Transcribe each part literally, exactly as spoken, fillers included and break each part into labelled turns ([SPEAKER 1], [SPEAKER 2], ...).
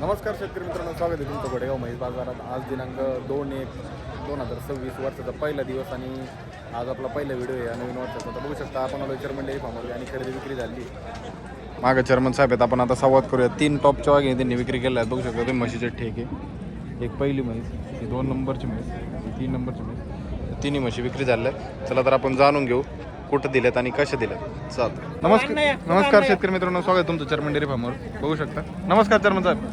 [SPEAKER 1] नमस्कार शेतकरी मित्रांनो, स्वागत आहे तुमचं घोडेगाव म्हैस बाजारात. आज दिनांक दोन एक दोन हजार सव्वीस वर्षाचा पहिला दिवस आणि आज आपला पहिला व्हिडिओ आहे या नवीन वर्षाचा. तर बघू शकता आपण आलो चेअरमन डेअरी फार्मवर आणि खरेदी विक्री झाली. मागं चेअरमन साहेब आहेत, आपण आता संवाद करूया. तीन टॉपच्या वाघे त्यांनी विक्री केल्या आहेत. बघू शकता तुम्ही म्हशीचे ठेके. एक पहिली म्हैस, ही दोन नंबरची म्हैस, ही तीन नंबरची म्हैस, तिन्ही म्हशी विक्री झाल्या. चला तर आपण जाणून घेऊ कुठं दिल्यात आणि कशा दिल्यात. चाल नमस्कार नमस्कार शेतकरी मित्रांनो, स्वागत आहे तुमचं चेअरमन डेअरी फार्मवर. बघू शकता. नमस्कार चेअरमन साहेब.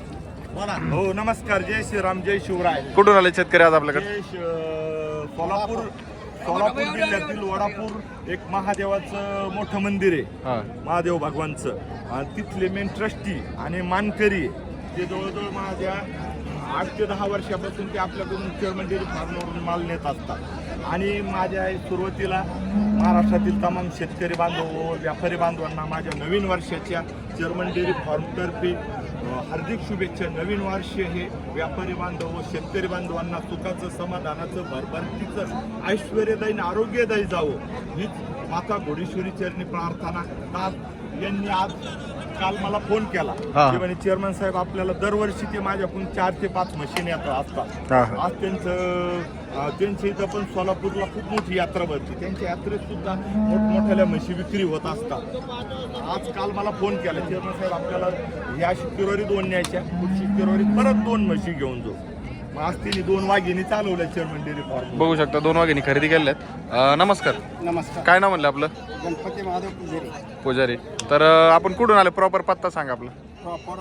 [SPEAKER 2] हो नमस्कार. जय श्रीराम, जय शिवराय.
[SPEAKER 1] कुठून आले शेतकरी आज आपल्याकडे?
[SPEAKER 2] जय श- सोलापूर सोलापूर जिल्ह्यातील वडापूर एक महादेवाचं मोठं मंदिर आहे.
[SPEAKER 1] हां
[SPEAKER 2] महादेव भगवानचं. आणि तिथले मेन ट्रस्टी आणि मानकरी ते जवळजवळ माझ्या आठ ते दहा वर्षापासून ते आपल्याकडून चेअरमन डेअरी फार्मवरून माल नेत असतात. आणि माझ्या सुरुवातीला महाराष्ट्रातील तमाम शेतकरी बांधव व व्यापारी बांधवांना माझ्या नवीन वर्षाच्या चेअरमन डेअरी फार्मतर्फे हार्दिक शुभेच्छा. नवीन वर्ष हे व्यापारी बांधव व शेतकरी बांधवांना सुखाचं, समाधानाचं, भरभरतीचं, ऐश्वर्यदायी, आरोग्यदायी जावं हीच माता घोडेश्वरी चरणी प्रार्थना. आज यांनी आज काल मला फोन केला की म्हणे चेअरमन साहेब आपल्याला दरवर्षी ते माझ्याकडून चार ते पाच मशीन येतात असतात. आज त्यांचं त्यांच्या इथं पण सोलापूरला खूप मोठी यात्रा भरते. त्यांच्या यात्रेत सुद्धा मोठमोठ्याल्या म्हशी विक्री होत असतात. आज काल मला फोन केला चेअरमन साहेब आपल्याला या शुक्रवारी दोन न्यायच्या, पुढच्या शुक्रवारी परत दोन म्हशी घेऊन जाऊ. मग आज तिने दोन वाघिणी चालवल्या चेअरमन डेअरी फार्म.
[SPEAKER 1] बघू शकता दोन वाघिणी खरेदी केल्यात. नमस्कार.
[SPEAKER 3] नमस्कार.
[SPEAKER 1] काय नाव म्हणलं आपलं?
[SPEAKER 3] गणपती महादेव पुजारी.
[SPEAKER 1] पुजारी. तर अं, आपण कुठून आले? प्रॉपर पत्ता सांगा आपला.
[SPEAKER 3] प्रॉपर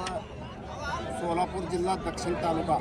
[SPEAKER 3] सोलापूर जिल्हा, दक्षिण तालुका,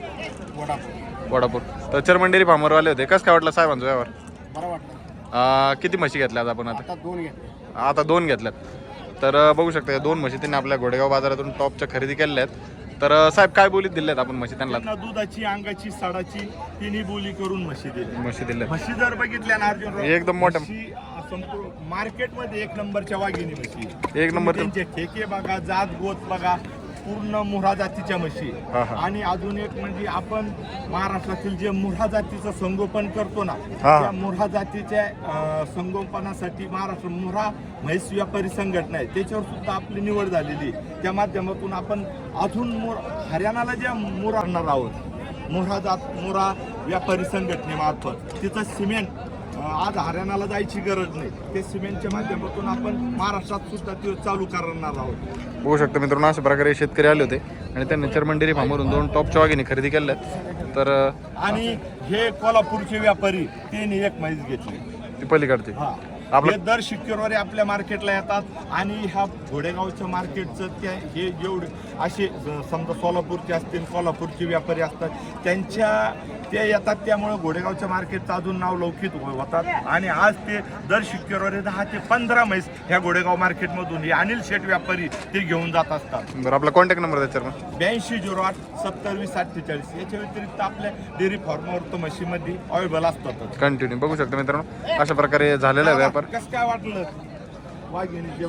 [SPEAKER 3] वडापूर.
[SPEAKER 1] वडापूर. तर चेअरमन डेअरी फार्मवर आले होते. कसं काय वाटलं साहेबांचं व्यवहार?
[SPEAKER 3] बरं वाटलं.
[SPEAKER 1] अं, किती म्हशी घेतल्या आज आपण? आता
[SPEAKER 3] आता दोन घेतले.
[SPEAKER 1] आता दोन घेतल्यात. तर अं, बघू शकता या दोन म्हशी त्यांनी आपल्या घोडेगाव बाजारातून टॉपच्या खरेदी केल्या आहेत. तर अं, साहेब काय बोलीत दिल्यात आपण म्हशी त्यांना?
[SPEAKER 2] त्यांना दुधाची, अंगाची, साडाची तिन्ही बोली करून म्हशी दिली.
[SPEAKER 1] म्हशी दिल्यात
[SPEAKER 2] म्हशी जर बघितल्या ना अर्जुन,
[SPEAKER 1] एकदम मोठ्या.
[SPEAKER 2] संपूर्ण मार्केटमध्ये एक नंबरच्या वाघिणी म्हशी.
[SPEAKER 1] एक नंबर.
[SPEAKER 2] त्यांचे ठेके बघा, जात गोत बघा, पूर्ण मुऱ्हा जातीच्या म्हशी.
[SPEAKER 1] हा, हा.
[SPEAKER 2] आणि अजून एक म्हणजे आपण महाराष्ट्रातील जे मुऱ्हा जातीचं संगोपन करतो ना,
[SPEAKER 1] हा.
[SPEAKER 2] त्या मुऱ्हा जातीच्या अं, संगोपनासाठी महाराष्ट्र मुऱ्हा म्हैस व्यापारी संघटना आहे, त्याच्यावर सुद्धा आपली निवड झालेली. त्या माध्यमातून आपण अजून मोर हरियाणाला ज्या मुर आणणार आहोत मुऱ्हा जात मुऱ्हा व्यापारी संघटनेमार्फत तिचं सिमेंट आज हरियाणाला जायची गरज नाही. ते सिमेंटच्या माध्यमातून आपण महाराष्ट्रात सुद्धा ते चालू करणार आहोत.
[SPEAKER 1] बघू शकता मित्रांनो, अशा प्रकारे शेतकरी आले होते आणि त्यांनी चेअरमन डेअरी फार्मवरून दोन टॉपच्या वाघिणी खरेदी केल्यात. तर अं,
[SPEAKER 2] आणि हे कोल्हापूरचे व्यापारी त्यांनी एक म्हैस घेतली.
[SPEAKER 1] ती पलीकडची.
[SPEAKER 2] हा
[SPEAKER 1] आपलं-
[SPEAKER 2] हे दर शुक्रवारी आपल्या मार्केटला येतात. आणि ह्या घोडेगावच्या मार्केटचं त्या हे जेवढे असे समजा सोलापूरचे असतील, कोल्हापूरचे व्यापारी असतात, त्यांच्या ते येतात. त्यामुळे घोडेगावच्या मार्केटचं अजून नाव लौकिक होतात. आणि आज ते दर शुक्रवारी दहा ते पंधरा म्हैस ह्या घोडेगाव मार्केटमधून हे अनिल शेठ व्यापारी ते घेऊन जात असतात.
[SPEAKER 1] बरं, आपला कॉन्टॅक्ट नंबर द्या चेअरमन.
[SPEAKER 2] ब्याऐंशी झिरो आठ सत्तर वीस अठ्ठेचाळीस. याच्या व्यतिरिक्त आपल्या डेअरी फार्मवर तर म्हशीमध्ये अवेलेबल असतातच.
[SPEAKER 1] कंटिन्यू. बघू शकता मित्रांनो, अशा प्रकारे झालेला व्यापार.
[SPEAKER 2] कसं काय वाटलं वाघिणीच्या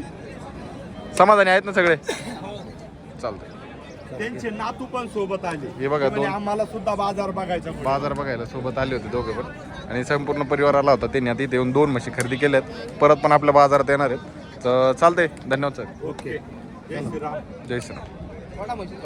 [SPEAKER 2] बाबतीत?
[SPEAKER 1] समाधानी आहेत ना सगळे? चालतंय.
[SPEAKER 2] त्यांचे नातू पण सोबत आले.
[SPEAKER 1] हे बघा,
[SPEAKER 2] ते म्हणे,
[SPEAKER 1] दोन-
[SPEAKER 2] आम्हाला सुद्धा बाजार बघायचा.
[SPEAKER 1] बाजार बघायला सोबत आले होते दोघे पण, आणि संपूर्ण परिवार आला होता. त्यांनी आता इथे येऊन दोन म्हशी खरेदी केल्यात. परत पण आपल्या बाजारात येणार आहेत. तर चालतंय. धन्यवाद सर.
[SPEAKER 2] ओके. जय श्रीराम.
[SPEAKER 1] जय श्रीराम.